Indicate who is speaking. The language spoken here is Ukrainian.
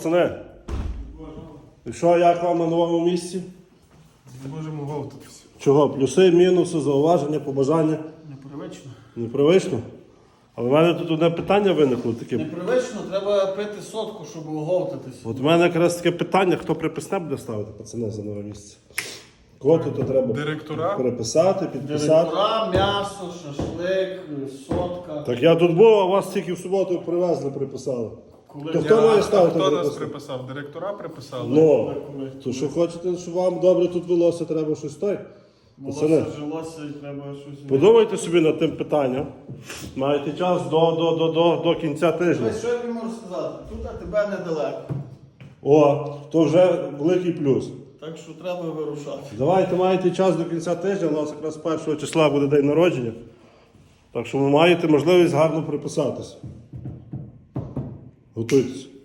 Speaker 1: Пацани, і що, як вам на новому місці?
Speaker 2: Не можемо говтатися.
Speaker 1: Чого? Плюси, мінуси, зауваження, побажання?
Speaker 2: Непривично.
Speaker 1: Непривично? Але в мене тут одне питання виникло таке.
Speaker 2: Непривично, треба пити сотку, щоб оговтатися.
Speaker 1: От в мене якраз таке питання, хто приписне буде ставити, пацани, за нове місце? Кого тут треба
Speaker 3: Директора?
Speaker 1: переписати, підписати?
Speaker 2: Директора, м'ясо, шашлик, сотка.
Speaker 1: Так я тут був, а вас тільки в суботу привезли, приписали.
Speaker 2: Коли
Speaker 1: То хто має ставити
Speaker 3: Хто нас
Speaker 1: приписати?
Speaker 3: приписав? Директора приписали?
Speaker 1: Ну, то що хочете, щоб вам добре тут велося, треба щось той? Пацани,
Speaker 2: Волосся жилося і треба щось.
Speaker 1: подумайте собі над тим питанням. Маєте час до кінця тижня.
Speaker 2: Що я тобі можу сказати? Тут а тебе недалеко.
Speaker 1: О, то вже великий плюс.
Speaker 2: Так що треба вирушати.
Speaker 1: Давайте, маєте час до кінця тижня, у нас якраз 1 числа буде день народження. Так що ви маєте можливість гарно приписатися. Готуйтесь.